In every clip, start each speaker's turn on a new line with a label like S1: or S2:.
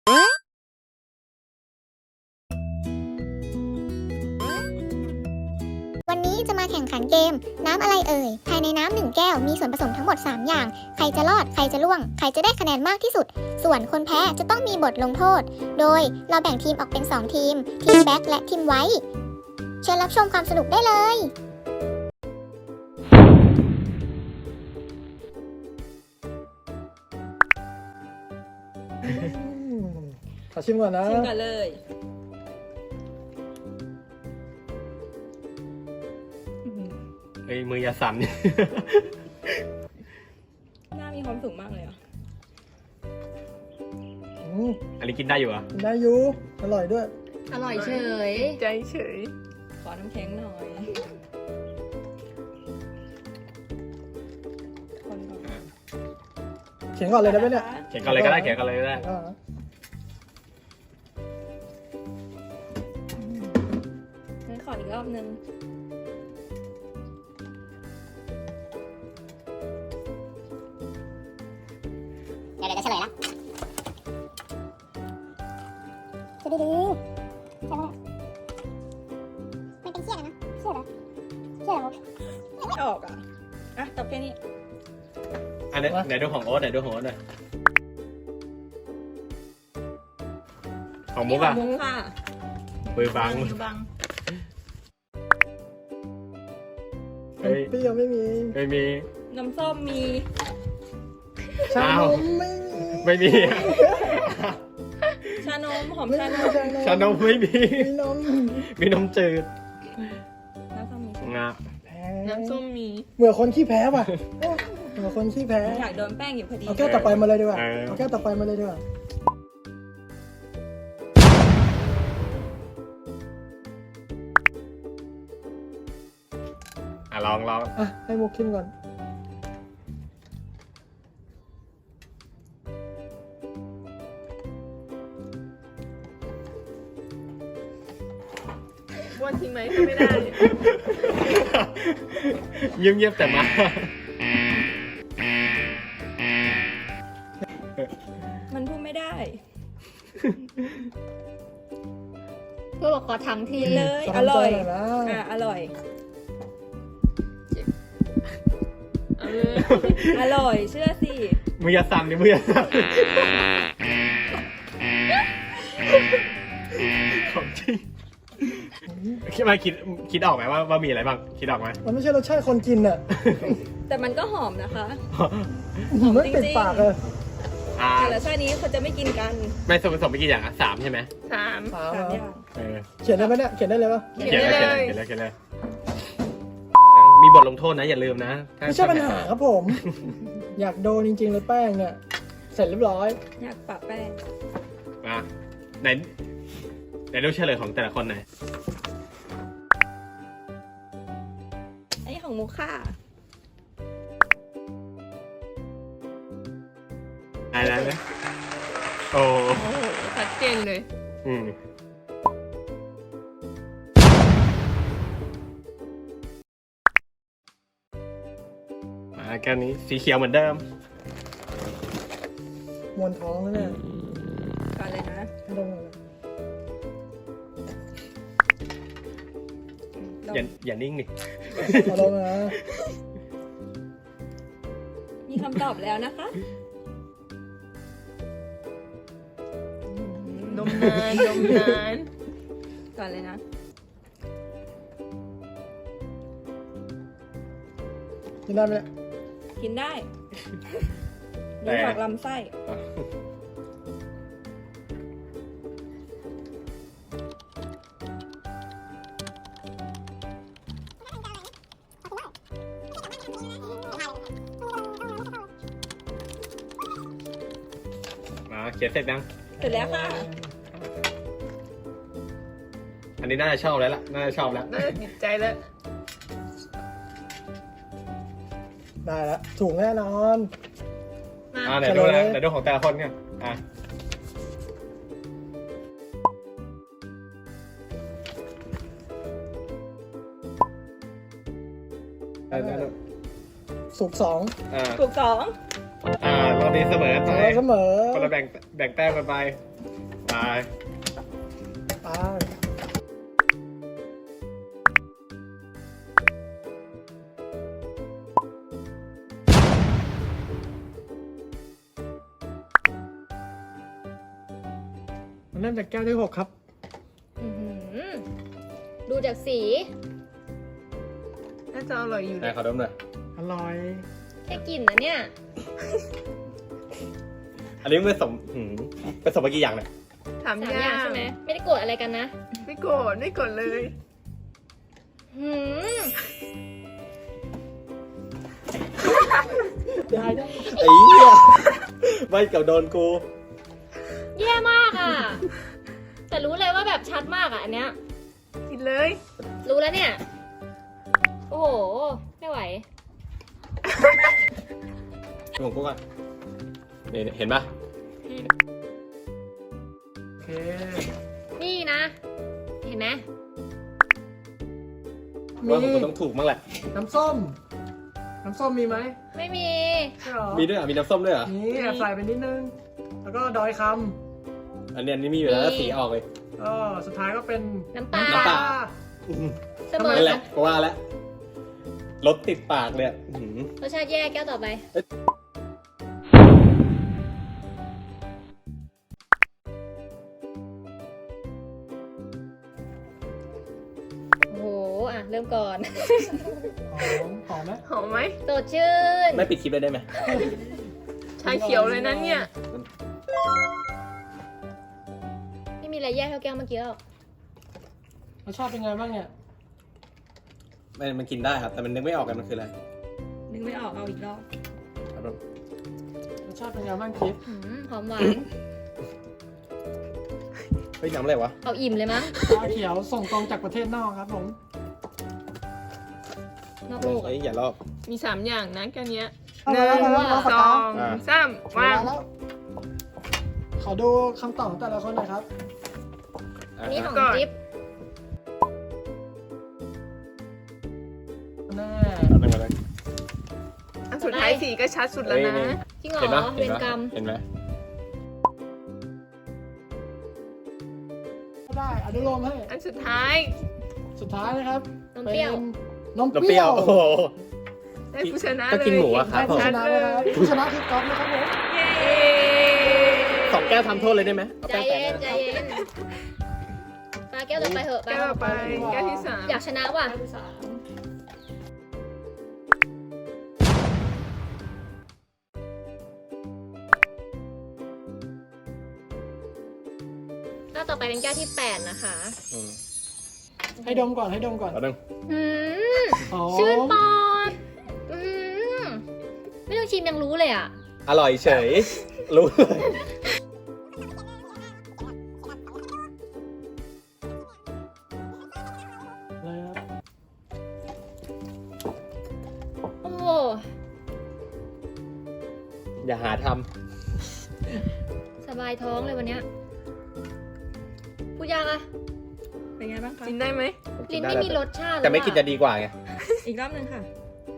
S1: วันนี้จะมาแข่งขันเกมน้ำอะไรเอ่ยภายในน้ำ1แก้วมีส่วนผสมทั้งหมด3อย่างใครจะรอดใครจะล่วงใครจะได้คะแนนมากที่สุดส่วนคนแพ้จะต้องมีบทลงโทษโดยเราแบ่งทีมออกเป็น2ทีมแบ็คและทีมไวท์เชิญรับชมความสนุกได้เลย
S2: ขอชิมก่อนนะ
S3: ชิมกันเลย
S4: เฮ้ยมืออย่าสั่น
S3: หน้ามีความสุขมากเลยอ่ะ
S4: อันนี้กินได้อยู่เหรอ่ะ
S2: กินได้อยู่อร่อยด้วย
S5: อร่อยเฉย
S3: ใจเฉย ขอน้ำแข็งหน่อยคนก่อน
S2: เขียนก่อนเลยได้ไหมเนี่ย
S4: เขียนกันเลยก็ได้เขียนกันเลยก็ได้
S3: งั้นขออีกรอบนึง
S1: เดี๋ยวจะเฉลยละจะดีใช่ไหมมันเป็นเชี่ยนะเชี่ยเหรอเชี่ยเหรอ
S3: ไม่ออกอ่ะ อ่ะตอบแค่นี้
S4: อันนี้ไหนดูของโอ๊ตไหนดูของโอ๊ตหน่อยของมุกอ่ะ
S3: มุกค่ะ
S4: มือบัง
S5: บัง
S4: เฮ้ย
S2: เปรี้ยวไม่มี
S4: ไม่มี
S3: น้ำส้มมี
S2: ชา
S4: อ้าน ว
S2: มไม่มี
S4: ไม่มีอะ
S3: ชานมหอม
S2: ไม่
S3: ชา
S2: มี
S3: นม
S4: ชานมไม่มี
S2: มีนม
S4: มีนมจืด
S3: น้ำส้มมี
S4: งา
S2: แพ้
S5: น้ำส้มมี
S2: เหมือนคนขี้แพ้ป่ะเหมือนคนขี้แพ้
S3: อยากโดนแป้งอยู่พอดี
S2: เอาแก้วต่อไปมาเลยดีกว่าเอาแก้วต่อไปมาเลยดีกว่า
S4: อ่ะลอง
S2: อ่ะให้มุกชิมก่อน
S5: บ้วนทิ้งไหมก็ไม่ได้
S4: เงียบๆแต่มา
S3: มันพูดไม่ได้
S5: เพื่อบอกขอทั้งที
S3: เลย
S2: ข
S3: อร่อย
S2: ทำใจหน่นะ
S3: อ่ะอร่อย
S5: เอาเลย
S3: อร่อย เชื่อสิ
S4: มืออย่าสั่นดิมืออย่าสั่นของจริงคิดออกไหมว่ามีอะไรบ้างคิดออกไหม
S2: มันไม่ใช่รสชาติคนกินอ่ะ
S3: แต่มันก็หอมนะคะ
S2: ไม่ติดปากเลย
S4: อ่า
S3: แต่ละชาตินี้เขาจะไม่กินกัน
S4: ไม่ส่วนผสมไม่กี่อย่างอ่ะ3ใช่ไหม
S5: สาม
S2: สาม
S3: 3
S2: เหรอ
S3: อย่าง
S4: เออ
S2: เขียนได้ไหมเนี่ยเขียนได้เลยปะ
S5: เขียนได้เลย
S4: เขียนเลยมีบทลงโทษนะอย่าลืมนะถ้า
S2: ไม่ใช่ปัญหาครับผม อยากโดนจริงๆเลยแป้งเนี่ยเสร็จเรียบร้อย
S3: อยากปะแป้ง
S4: มาไหนดูเฉลยของแต่ละคนหน่อย
S3: อันนี้ของมุกค่ะ
S4: ได้เลยโอ้
S5: โอ้โหชัดเจนเลย
S4: อืมมาแก้วนี้สีเขียวเหมือนเดิม
S2: มวนท้องแล้วเนี่ย
S3: ก่อนเลยนะ
S2: ให้ดมหน่อย
S3: ลอง
S4: อย่านิ่งดิ
S2: เอาดมนะ
S3: มีคำตอบแล้วนะคะ
S5: ดมนานดมนาน
S3: ก่อนเลยนะ
S2: กินได้ไหมเนี่ย
S3: กินได้นี่ผักลำไส้
S4: มาเขียนเสร็จยัง
S3: เสร็จแล้วค่ะ
S4: อันนี้น่าจะชอบแล้วล่ะน่าจะชอบแล้ว
S5: น่าจะติดใจแล้ว
S2: ได้แล้วถูกแน่นอน
S5: มา
S4: ไหนดูนะไหนดูของแต่ละคนกันอ่ะ ได้
S2: สุกสอง
S4: อ่า
S3: ถูก2
S4: เราดีเสมอ
S2: เสมอ
S4: คนละแบ่งแต้มกันไป
S2: ไป มันเริ่มจากแก้วที่ 6 ครับ
S3: อื้อหือดูจากสี
S5: น่าจะอร่อยอยู่
S4: ไหนขอดมหน่อย
S2: อร่อย
S3: แค่กลิ่นนะเนี่ย
S4: อันนี้ผสมผสมมากี่อย่างเนี่ย
S5: ถาม
S3: 3
S5: ยา
S3: อย่าง
S5: ก
S3: ใช่ไหมไม่ได้โกรธอะไรกันนะ
S5: ไม่โกรธไม่โกรธเลย
S3: หืม
S2: ได้ได้
S4: ไอ้เหี้ยไม่เกับโดนกู
S3: แย่มากอ่ะ แต่รู้เลยว่าแบบชัดมากอ่ะอันเนี้ย
S5: กินเลย
S3: รู้แล้วเนี่ย โอ้โห ไม่ไหว
S4: ของกูก่อนนี่เห็นปะ
S2: โอเค
S3: นี่นะ เห็นไหม
S4: ว่าผมต้องถูกมั้งแหละ
S2: น้ำส้ม น้ำส้มมีไหม
S3: ไม่มี
S2: ใช่หรอ
S4: มีด้วยเหรอมีน้ำส้มด้วยเหรอ
S2: นี่แอบใส่ไปนิดนึง แล้วก็ดอยค
S4: อันนี้มีอยู่แล้ว
S3: มี
S4: สีออกเลย
S2: ำก็สุดท้ายก็เป็น
S3: น้ำปลา
S4: น้ำปลา
S3: เสมอ
S4: นั่นแหละก็ว่าแล้วรสติดปากเลยอื้อหือ
S3: รสชาติแย่แก้วต่อไป โอ้โห อ่ะ เริ่มก่อน
S2: หอมไหม
S5: หอมไหม
S3: สดชื่น
S4: ไม่ปิดคลิปเลยได้ไหม
S5: ชาเขียวเลยนะเนี่ย
S3: ไม่มีอะไรแย่เท่าแก้วเมื่อกี้หรอก
S2: รสชาติเป็นไงบ้างเนี่ย
S4: มันกินได้ครับ แต่มันนึกไม่ออกกันมันคืออะไร
S3: นึกไม่ออกเอาอีกรอบ
S4: ครับผม
S2: รสชาติเป็นไงบ้างคิด
S3: หอมหวาน
S4: เฮ้ยน้ำอะไรวะ
S3: เอาอิ่มเลยมั้ง
S2: ชาเขียวส่งตรงจากประเทศนอกครับผม
S3: นอกโลก
S4: เฮ้ยอย่าลอก
S5: มี3อย่างนะแค่เนี้ย
S2: เอา
S5: ห
S2: ละ
S5: นึ่ง
S2: เอาละเอาละ
S5: สอง
S4: อ่า
S5: สามวาง
S2: แล้วขอดูคำตอบของแต่ละคนหน่อยครับ
S3: อันนี้ของ
S5: ก่อน
S3: จิ๊บ
S2: แน่
S4: เอาหนึ่งมาเลย
S5: อันสุดท้ายสีก็ชัดสุดแล้วนะ
S4: เฮ้ย
S3: จริงเหรอ
S4: เห็นปะ
S3: เวรกรรม
S4: เห็นไหม
S2: ได้อนุโลมให้
S5: อันสุดท้าย
S2: สุดท้ายนะครับ
S3: นมเปรี้ยว
S2: ป็นนม
S4: น้ำ
S2: เป
S4: เป
S2: รี้
S4: รี้
S2: ย
S4: ยว ว โอ้โห
S5: ได้ผู้ชนะ
S4: ก็
S5: เลย
S4: กินหมูอะครับ
S2: ผู้ชนะนะครับผู้ชนะคือก๊อฟนะครับผม
S5: เย้
S4: 2 แก้วทำโทษเลยได้ไหมเอา
S3: ใจ
S4: แป้งแตะ
S3: เย็น ใจเย็นปลาแก้วต่อไปเหอะ
S5: แก้วต่อไปแก้วที่3
S3: อยากชนะว่ะ แก้วต่อไปเป็นแก้วที่ 8 นะคะ
S4: อืม
S2: ให้ดมก่อนให้ดมก่อน
S4: เอาหนึ่ง
S3: อืม
S2: หอม
S3: ชื่นปอดอืมไม่ต้องชิมยังรู้เลยอ่ะ
S4: อร่อยเฉย รู้เลย
S2: เลยครับ
S3: โอ้โห
S4: อย่าหาท
S3: สบายท้องเลยวันเนี้ยพูดยากอะ
S6: เป็นไงบ้างคะ
S5: กินได้ไหม
S4: ำ
S3: ลิ้นไม่มีรสชาติเลย
S4: แต่ไม่กินจะดีกว่าไง
S6: อีกรอบหนึ่งค่ะ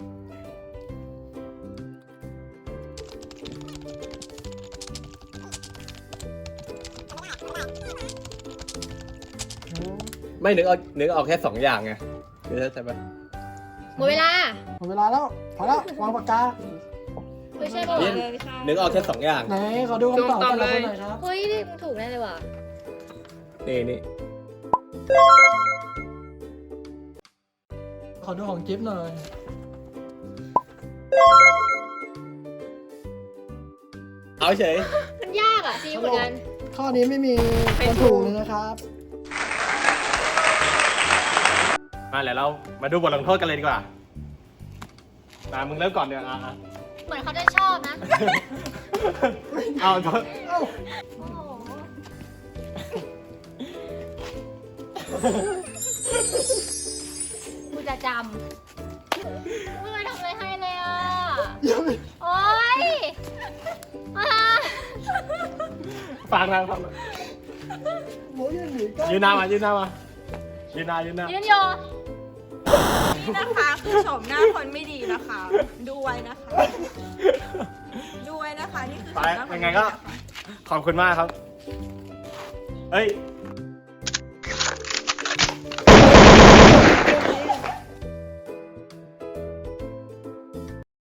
S4: ไม่นึกออกแค่ 2 อย่างไงเดี๋ยวใช่ไหม
S3: หมดเวลา
S2: หมดเวลาแล้วพอแล้ววางปากกา
S3: ไม่ใช่ป่ะ
S4: นี่
S3: วะ
S6: เลยค่ะ
S4: นึกออกแค่ 2 อย่าง
S2: ไหนขอดูคำตอบแต่ละคนหน่อยครับ
S3: เฮ้ยนี่มึงถูกแน่เลยว่ะ
S4: นี่
S2: ขอดูของจิ๊บหน่อย
S4: เอาเฉย
S3: มันยากอ่ะซีเหมือนกัน
S2: ข้อนี้ไม่มีคนถูกเลยนะครับ
S4: มาแล้วเรามาดูบทลงโทษกันเลยดีกว่ามามึงเริ่มก่อนเดี๋ยวอ่ะ
S3: เหมือนเขาจะชอบนะ
S4: เอาโทษ
S2: เอ้า
S3: โอ้โหกูจะจำไม่เคยทำอะไรให้เลยอ่ะ โอ๊ยอ่ะ
S4: ฟังนะ
S2: โมยหนีก็
S4: ยืนหน้ามายืนหน้ายืนหน้า
S3: ยืนโย
S6: นี่นะคะคือโฉมหน้าคนไม่ดีนะคะ ดูไว้นะคะ ดูไว้นะคะ นี่คือ
S4: ไป
S6: โฉมหน้าคน
S4: ยัง
S6: ม่
S4: ไง
S6: ดี
S4: ก็
S6: นะคะ
S4: ขอบคุณมากครับเฮ้ย